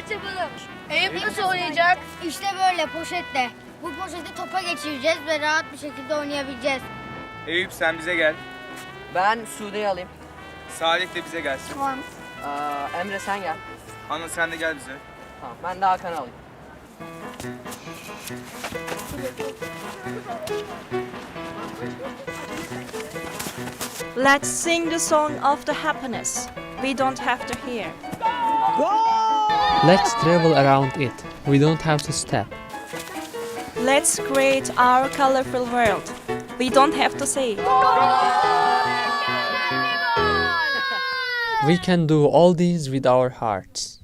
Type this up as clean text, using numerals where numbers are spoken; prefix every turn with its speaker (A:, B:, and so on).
A: yapalım.
B: Eyüp nasıl oynayacak?
A: İşte böyle poşetle. Bu poşeti topa geçireceğiz ve rahat bir şekilde oynayabileceğiz.
C: Eyüp sen bize gel.
D: Ben Sude'yi alayım.
C: Salih de bize gelsin.
A: Tamam.
D: Emre sen gel.
C: Anıl sen de gel bize.
D: Tamam ben de Hakan'ı alayım.
E: Let's sing the song of the happiness we don't have to hear.
F: Let's travel around it. We don't have to step.
E: Let's create our colorful world. We don't have to say.
F: We can do all these with our hearts.